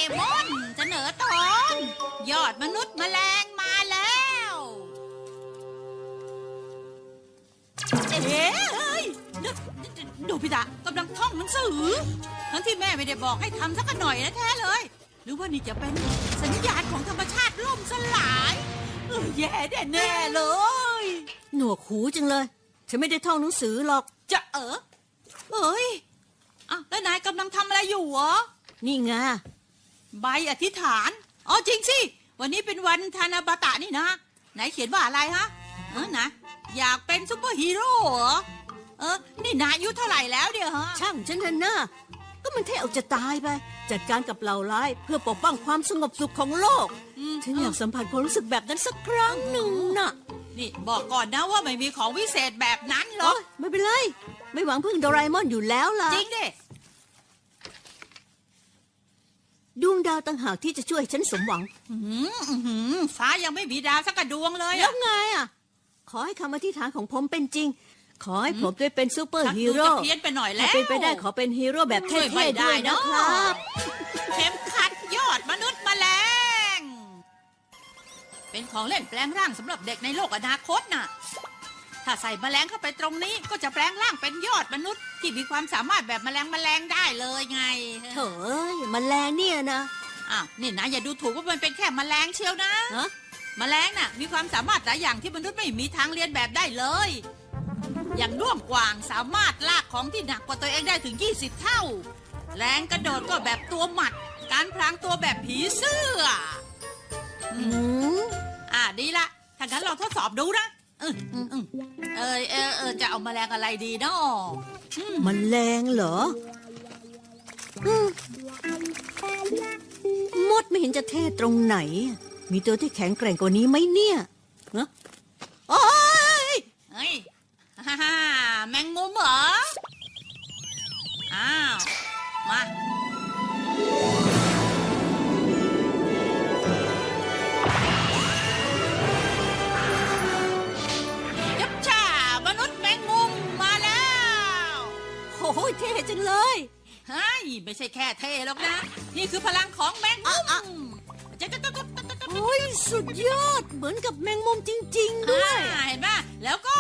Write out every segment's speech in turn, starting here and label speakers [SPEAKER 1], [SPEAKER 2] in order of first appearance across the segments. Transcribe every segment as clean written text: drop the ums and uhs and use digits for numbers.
[SPEAKER 1] มอนเสนอตอนยอดมนุษย์แมลงมาแล้วเอ้ยดูพี่ดากำลังท่องหนังสือทั้งที่แม่ไม่ได้บอกให้ทำสักหน่อยนะแท้เลยหรือว่านี่จะเป็นสัญญาณของธรรมชาติล่มสลายแย่แน่เลย
[SPEAKER 2] หนวกหูจังเลยฉันไม่ได้ท่องหนังสือหรอก
[SPEAKER 1] จะเอ้ยอ้าวแล้วนายกำลังทำอะไรอยู่เหรอ
[SPEAKER 2] นี่ไง
[SPEAKER 1] ใบอธิษฐานอ๋อจริงสิวันนี้เป็นวันธนาบาตะนี่นะไหนเขียนว่าอะไรฮะนะอยากเป็นซุปเปอร์ฮีโร่เหรอนี่นายอายุเท่าไหร่แล้วเดี๋ยวฮะ
[SPEAKER 2] ช่างฉันเถอะนะก็มันเท่เอาจะตายไปจัดการกับเหล่าร้ายเพื่อปกป้องความสงบสุขของโลกฉันอยากสัมผัสความรู้สึกแบบนั้นสักครั้งหนึ่งน่ะ
[SPEAKER 1] นี่บอกก่อนนะว่าไม่มีของวิเศษแบบนั้นหรอก
[SPEAKER 2] ไม่เป็นไรไม่หวังพึ่งโดราเอมอนอยู่แล้วล่ะ
[SPEAKER 1] จริงดิ
[SPEAKER 2] ดวงดาวต่างหากที่จะช่วยฉันสมหวัง
[SPEAKER 1] ฟ้ายังไม่มีดาวสักดวงเลย
[SPEAKER 2] แล้วไงอ่ะขอให้คำอธิษฐานของผมเป็นจริงขอให้ผมได้เป็นซูเปอร์ฮีโร่
[SPEAKER 1] เพี้ยนไปหน่อยแล้ว
[SPEAKER 2] เป็นไปได้ขอเป็นฮีโร่แบบเท่ๆด้วยนะครับ
[SPEAKER 1] เข็มขัดยอดมนุษย์แมลงเป็นของเล่นแปลงร่างสำหรับเด็กในโลกอนาคตน่ะถ้าใส่แมลงเข้าไปตรงนี้ก็จะแปลงร่างเป็นยอดมนุษย์ที่มีความสามารถแบบแมลงได้เลยไง
[SPEAKER 2] เถอะแมลงเนี่ยนะ
[SPEAKER 1] อ้าวนี่นะอย่าดูถูกว่ามันเป็นแค่แมลงเชียวนะแมลงน่ะมีความสามารถหลายอย่างที่มนุษย์ไม่มีทางเรียนแบบได้เลยอย่างด้วงกวางสามารถลากของที่หนักกว่าตัวเองได้ถึง20 เท่าแรงกระโดดก็แบบตัวหมัดการพลางตัวแบบผีเสื้อดีละถ้างั้นเราทดสอบดูนะจะเอาแมลงอะไรดีเนาะ
[SPEAKER 2] แมลงเหรอมดไม่เห็นจะเท่ตรงไหนมีตัวที่แข็งแกร่งกว่านี้ไหมเนี่ยโอ้ย
[SPEAKER 1] แมงมุมเหรออ้าวมายับช่ามนุษย์แมงมุมมาแล้ว
[SPEAKER 2] โอ้ยเท่จังเลย
[SPEAKER 1] ไม่ใช่แค่เท่หรอกนะนี่คือพลังของแมงมุม
[SPEAKER 2] โอ้ยสุดยอดเหมือนกับแมงมุมจริงๆด้วย
[SPEAKER 1] เห็นไหมแล้วก็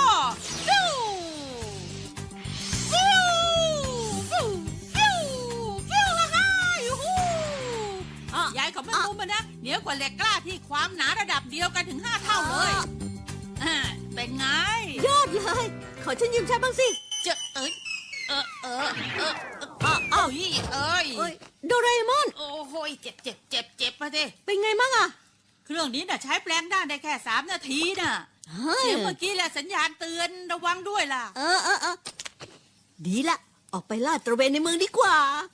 [SPEAKER 1] ยายของแมงมุมนะเหนียวกว่าเหล็กกล้าที่ความหนาระดับเดียวกันถึง5 เท่าเลยเป็นไง
[SPEAKER 2] ยอดเลยขอฉันยืมใช้บ้างสิโดราเอมอน
[SPEAKER 1] โอ้โหเจ็บมาสิ
[SPEAKER 2] เป็นไงมั่งอะ
[SPEAKER 1] เครื่องนี้น่ะใช้แปลงได้แค่3 นาทีน่ะเสียงเมื่อกี้แหละสัญญาณเตือนระวังด้วยล่ะ
[SPEAKER 2] ดีละออกไปลาดตระเวนในเมืองดีกว่า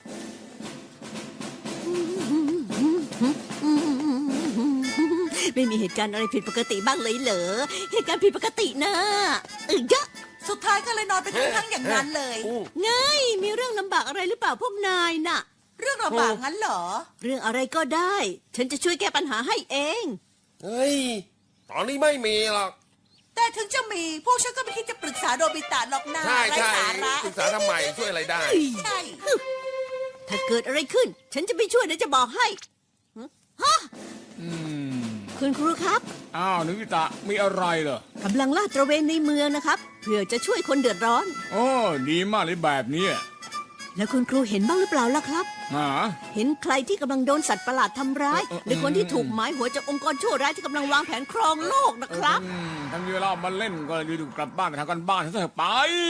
[SPEAKER 2] ไม่มีเหตุการณ์อะไรผิดปกติบ้างเลยเหรอเหตุการณ์ผิดปกตินะเยอะ
[SPEAKER 1] สุดท้ายก็เลยนอนไปทั้งอย่างนั้นเลย
[SPEAKER 2] ไงมีเรื่องลำบากอะไรหรือเปล่าพวกนายน่ะ
[SPEAKER 1] เรื่องลำบากงั้นเหรอ
[SPEAKER 2] เรื่องอะไรก็ได้ฉันจะช่วยแก้ปัญหาให้เอง
[SPEAKER 3] เฮ้ยตอนนี้ไม่มีหรอก
[SPEAKER 1] แต่ถึงจะมีพวกฉันก็ไม่คิดจะปรึกษาโดบิตะหรอกนะ
[SPEAKER 3] ใช่ปรึกษาทำไมช่วยอะไรได้
[SPEAKER 1] ใช่
[SPEAKER 2] ถ้าเกิดอะไรขึ้นฉันจะไม่ช่วยนะจะบอกให้ฮะคุณครูครับ
[SPEAKER 4] อ้าวนึกิตะมีอะไรเหรอก
[SPEAKER 2] ำลังลาดตระเวนในเมืองนะครับเพื่อจะช่วยคนเดือดร้อน
[SPEAKER 4] โอ้ดีมากเลยแบบนี้
[SPEAKER 2] แล้วคุณครูเห็นบ้างหรือเปล่าล่ะครับเห็นใครที่กำลังโดนสัตว์ประหลาดทำร้ายหรือคนที่ถูกหมายหัวจากองค์กรชั่วร้ายที่กำลังวางแผนครองโลกนะครับ
[SPEAKER 4] ทั้งนี้เรามาเล่นก็อยู่กลับบ้านไปทำกันบ้านซะไป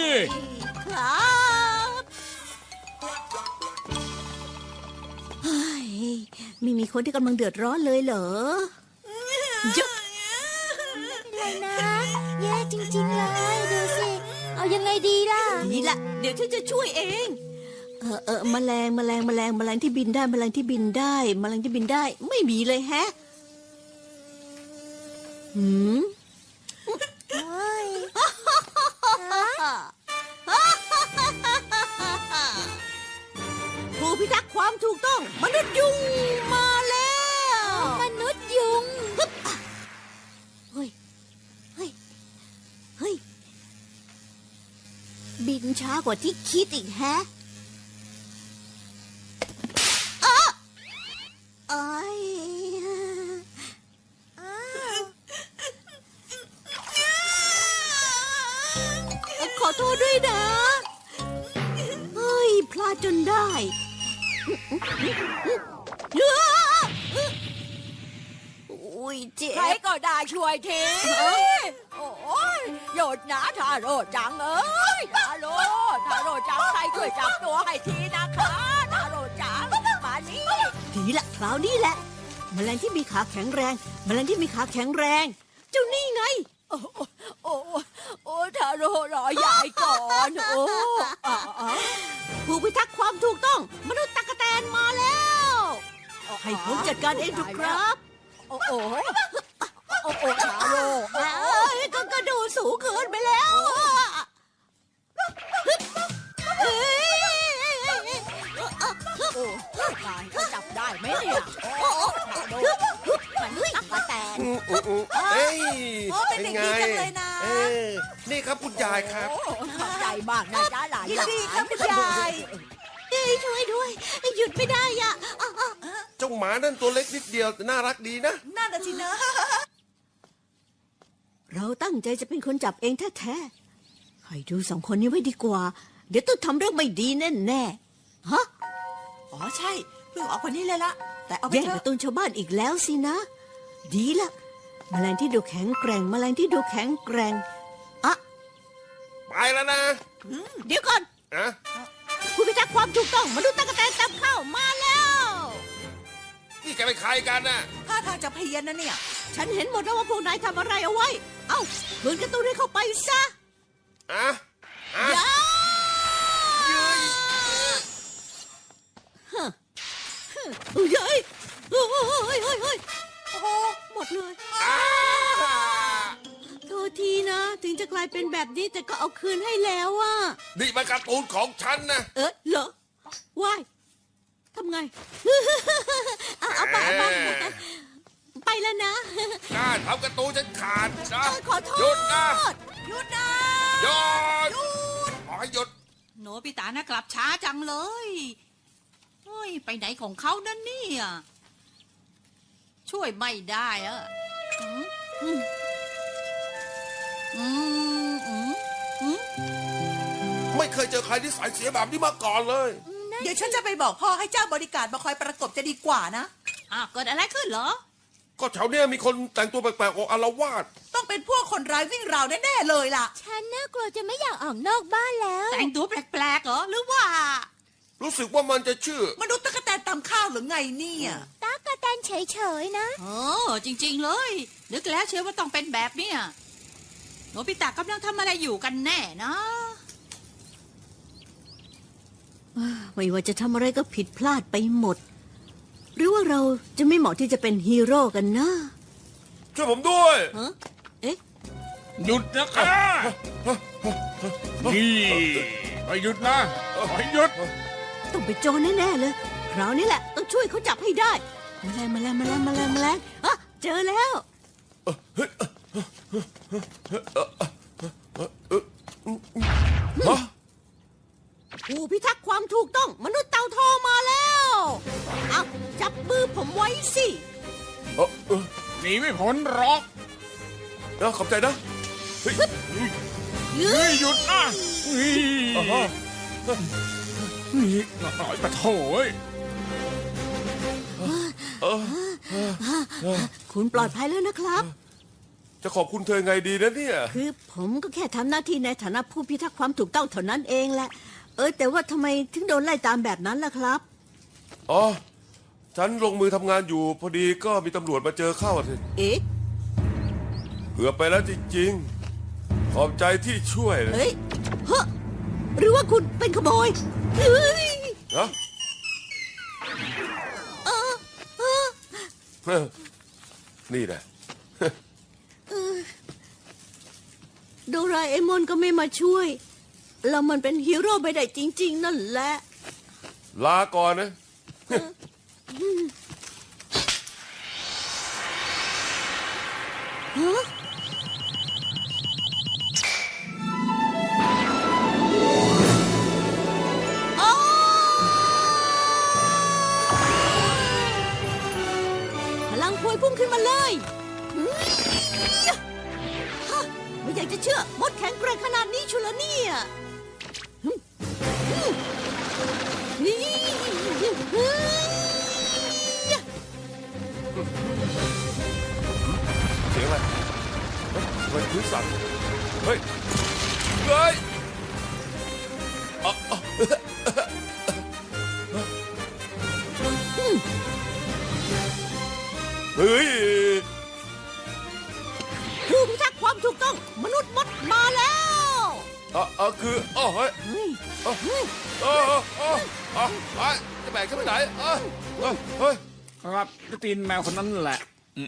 [SPEAKER 2] ครับไม่มีคนที่กำลังเดือดร้อนเลยเหรอ
[SPEAKER 5] เยอะเลยนะแย่จริงๆเลยดูสิเอายังไงดีล่ะ
[SPEAKER 2] นี่ละเดี๋ยวฉันจะช่วยเองแมลงที่บินได้แมลงที่บินได้ไม่มีเลยแฮะผู้พิทักษ์ความถูกต้องมนุษย์ยุงมาแล้ว
[SPEAKER 5] มนุษย์ยุง
[SPEAKER 2] เฮ้ยบินช้ากว่าที่คิดอีกแฮะโทษด้วยนะ เฮ้ย พลาดจนได้อุ้ยเจ็
[SPEAKER 6] ใคร
[SPEAKER 2] บ
[SPEAKER 6] ก็ได้ช่วยทีโอ้ยหยุดนะทาโร่จังเอ้ยทาโร่จังใครช่วยจับตัวให้ทีนะคะทาโร่จังมานี่
[SPEAKER 2] ดีละคราวนี้แหละ แมลงที่มีขาแข็งแรง แมลงที่มีขาแข็งแรง เจ้านี่ไง
[SPEAKER 6] โอ้ทาโร่รอยายก่อนโอ้
[SPEAKER 2] ผู้พิทักษ์ความถูกต้อง มนุษย์ตั๊กแตนมาแล้ว ให้ผมจัดการเองเถอะครับ
[SPEAKER 6] โอ้ทาโร่
[SPEAKER 2] เอ้ยก็ดูสูงเกินไปแล้วเอ้ย
[SPEAKER 6] โอ้ตายจะจับได้ไหมเนี่ยทาโร่มันตักกะแตน
[SPEAKER 3] เอ้ย
[SPEAKER 6] โอ้เป็นเด็กดีจังเลยนะ
[SPEAKER 3] เออนี่ครับคุณยายครับ
[SPEAKER 6] โอ้ขอบใจมากนะจ้าหลาน
[SPEAKER 2] ยินดีครับคุณยายเอ้ยช่วยด้วย หยุดไม่ได้อ่ะ
[SPEAKER 3] เจ้าหมานั่นตัวเล็กนิดเดียวแต่น่ารักดีนะ
[SPEAKER 6] นั่นน่ะสินะ
[SPEAKER 2] เราตั้งใจจะเป็นคนจับเองแท้ๆให้ดูสองคนนี้ไว้ดีกว่า เดี๋ยวต้องทำเรื่องไม่ดีแน่ๆฮะ
[SPEAKER 6] อ๋อใช่เพิ่งออกคนนี้เลยละแต่เอาไป
[SPEAKER 2] แย่ง
[SPEAKER 6] เถ
[SPEAKER 2] กา
[SPEAKER 6] อะ
[SPEAKER 2] ร์ตูนชาวบ้านอีกแล้วสินะ ดีละแมลงที่ดูแข็งแกร่ง แมลงที่ดูแข็งแกร่งอะ
[SPEAKER 3] ไปแล้วนะ
[SPEAKER 2] เดี๋ยวก่อน
[SPEAKER 3] อะ
[SPEAKER 2] คุณพิทักษ์ความถูกต้องมนุษย์ตั๊กแตนจับเข้ามาแล้ว
[SPEAKER 3] นี่แกเป็นใครกันน่ะ
[SPEAKER 6] ท่าทางจะเพี้ยนนะเนี่ย
[SPEAKER 2] ฉันเห็นหมดแล้วว่าพวกนายทำอะไรเอาไว้ เอ้าคืนการ์ตูนให้เข้าไปซะ
[SPEAKER 3] อะอะ
[SPEAKER 2] อย่า
[SPEAKER 3] เย้ย
[SPEAKER 2] เฮ้ยเฮ้ยเฮ้ยเฮ้ยโอ้โหหมดเลย
[SPEAKER 3] อ้า
[SPEAKER 2] โทษทีนะ ถึงจะกลายเป็นแบบนี้แต่ก็เอาคืนให้แล้วอะ
[SPEAKER 3] นี่มันการ์ตูนของฉันนะ
[SPEAKER 2] เหรอวายทำไง เอาไปไปแล้วนะ
[SPEAKER 3] กล้าทำการ์ตูนฉันขาดนะ
[SPEAKER 2] ขอโทษ
[SPEAKER 3] หยุดนะ
[SPEAKER 6] หยุดนะ
[SPEAKER 3] หยุดขอให้หยุด
[SPEAKER 1] โนบิตานะกลับช้าจังเลยเฮ้ยไปไหนของเขานั่นเนี่ยช่วยไม่ได้อะอืมอืมอืมอืมอืม
[SPEAKER 3] ไม่เคยเจอใครที่สายเสียแบบนี้มาก่อนเลย
[SPEAKER 6] เดี๋ยวฉันจะไปบอกพ่อให้เจ้าบริการมาคอยประกบจะดีกว่านะ
[SPEAKER 1] เกิดอะไรขึ้นเหรอ
[SPEAKER 3] ก็แถวเนี้ยมีคนแต่งตัวแปลกๆออกอาละวาด
[SPEAKER 6] ต้องเป็นพวกคนร้ายวิ่งราวแน่ๆเลยล่ะ
[SPEAKER 5] ฉันน่ากลัวจะไม่อยากออกนอกบ้านแล้ว
[SPEAKER 1] แต่งตัวแปลกๆเหรอหรือว่า
[SPEAKER 3] รู้สึกว่ามันจะชื่อ
[SPEAKER 6] มนุษย์ตะกแตนตำข้าวหรือไงเนี่ย
[SPEAKER 5] ตั๊กแตนเฉยๆนะ
[SPEAKER 1] จริงๆเลยนึกแล้วเชื่อว่าต้องเป็นแบบเนี้ยโนบิตะกำลังทำอะไรอยู่กันแน่นะ
[SPEAKER 2] ไม่ว่าจะทำอะไรก็ผิดพลาดไปหมด หรือว่าเราจะไม่เหมาะที่จะเป็นฮีโร่กันนะ
[SPEAKER 3] ช่วยผมด้วย
[SPEAKER 2] ฮะเอ๊ะ
[SPEAKER 4] หยุดนะคะนี่ไปหยุดนะไปหยุด
[SPEAKER 2] ต้องไปนโจรแน่ๆเลยคราวนี้แหละต้องช่วยเขาจับให้ได้แมลงอ่ะเจอแล้ว
[SPEAKER 3] ฮะ
[SPEAKER 2] ผู้พิทักษ์ความถูกต้องมนุษย์เต่าทองมาแล้วเอาจับมือผมไว้สิ
[SPEAKER 4] หนีไม่พ้นหรอก
[SPEAKER 3] ขอบใจนะ เฮ้ย
[SPEAKER 4] เฮ้ยหยุดนะนี่
[SPEAKER 3] อ่าฮะ
[SPEAKER 4] นี่หน่อยปะโถย
[SPEAKER 2] คุณปลอดภัยแล้วนะครับ
[SPEAKER 3] จะขอบคุณเธอไงดีนะเนี่ย
[SPEAKER 2] คือผมก็แค่ทำหน้าที่ในฐานะผู้พิทักษ์ความถูกต้องเท่านั้นเองแหละแต่ว่าทำไมถึงโดนไล่ตามแบบนั้นล่ะครับ
[SPEAKER 3] อ๋อ ฉันลงมือทำงานอยู่ พอดีก็มีตำรวจมาเจอเข้าสิ
[SPEAKER 2] เอ๊ะ
[SPEAKER 3] เกือบไปแล้วจริงๆ ขอบใจที่ช่วยนะ
[SPEAKER 2] เฮ้ยเฮ้อหรือว่าคุณเป็นขโมยเฮ้ย
[SPEAKER 3] ฮะ
[SPEAKER 2] เออเออ
[SPEAKER 3] นี่แหละ
[SPEAKER 2] โดราเอมอนก็ไม่มาช่วย แล้วมันเป็นฮีโร่ไปได้จริง ๆ นั่นแหละ
[SPEAKER 3] ลาก่อนนะ
[SPEAKER 2] ฮะอ๋อพลังพวยพุ่งขึ้นมาเลยฮะไม่อยากจะเชื่อมดแข็งแกร่งขนาดนี้ชุลเนี่ยนี่
[SPEAKER 3] เสียงอะไรเฮ้ยทำไมพื้นสั่นเฮ้ยเฮ้ยเฮ้ย
[SPEAKER 2] ผู้พิทักษ์ความถูกต้องมนุษย์มดมาแล้ว
[SPEAKER 3] คือเฮ้ย
[SPEAKER 2] เฮ้ย
[SPEAKER 3] จะแบกฉันไปไหนเฮ้ย
[SPEAKER 4] ครับจะตีนแมวคนนั้นแหละ
[SPEAKER 3] เง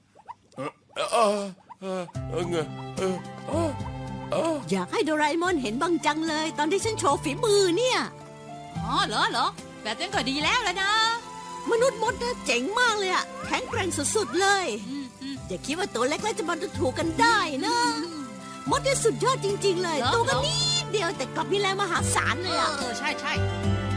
[SPEAKER 3] ย
[SPEAKER 2] อยากให้โดราเอมอนเห็นบ้างจังเลย ตอนที่ฉันโชว์ฝีมือเนี่ย
[SPEAKER 1] อ๋อเหรอ แบบนั้นก็ดีแล้วแล้วนะ
[SPEAKER 2] มนุษย์มดนะเจ๋งมากเลยอะแข็งแกร่งสุดๆเลย
[SPEAKER 1] อืม
[SPEAKER 2] อย่าคิดว่าตัวเล็กแล้วจะมาดูถูกกันได้นะมดนี่สุดยอดจริง ๆ เลย
[SPEAKER 1] เหรอ
[SPEAKER 2] ตัวกันนิดเดียวแต่กลับมีแรงมหาศาลเลยอะ
[SPEAKER 1] ใช่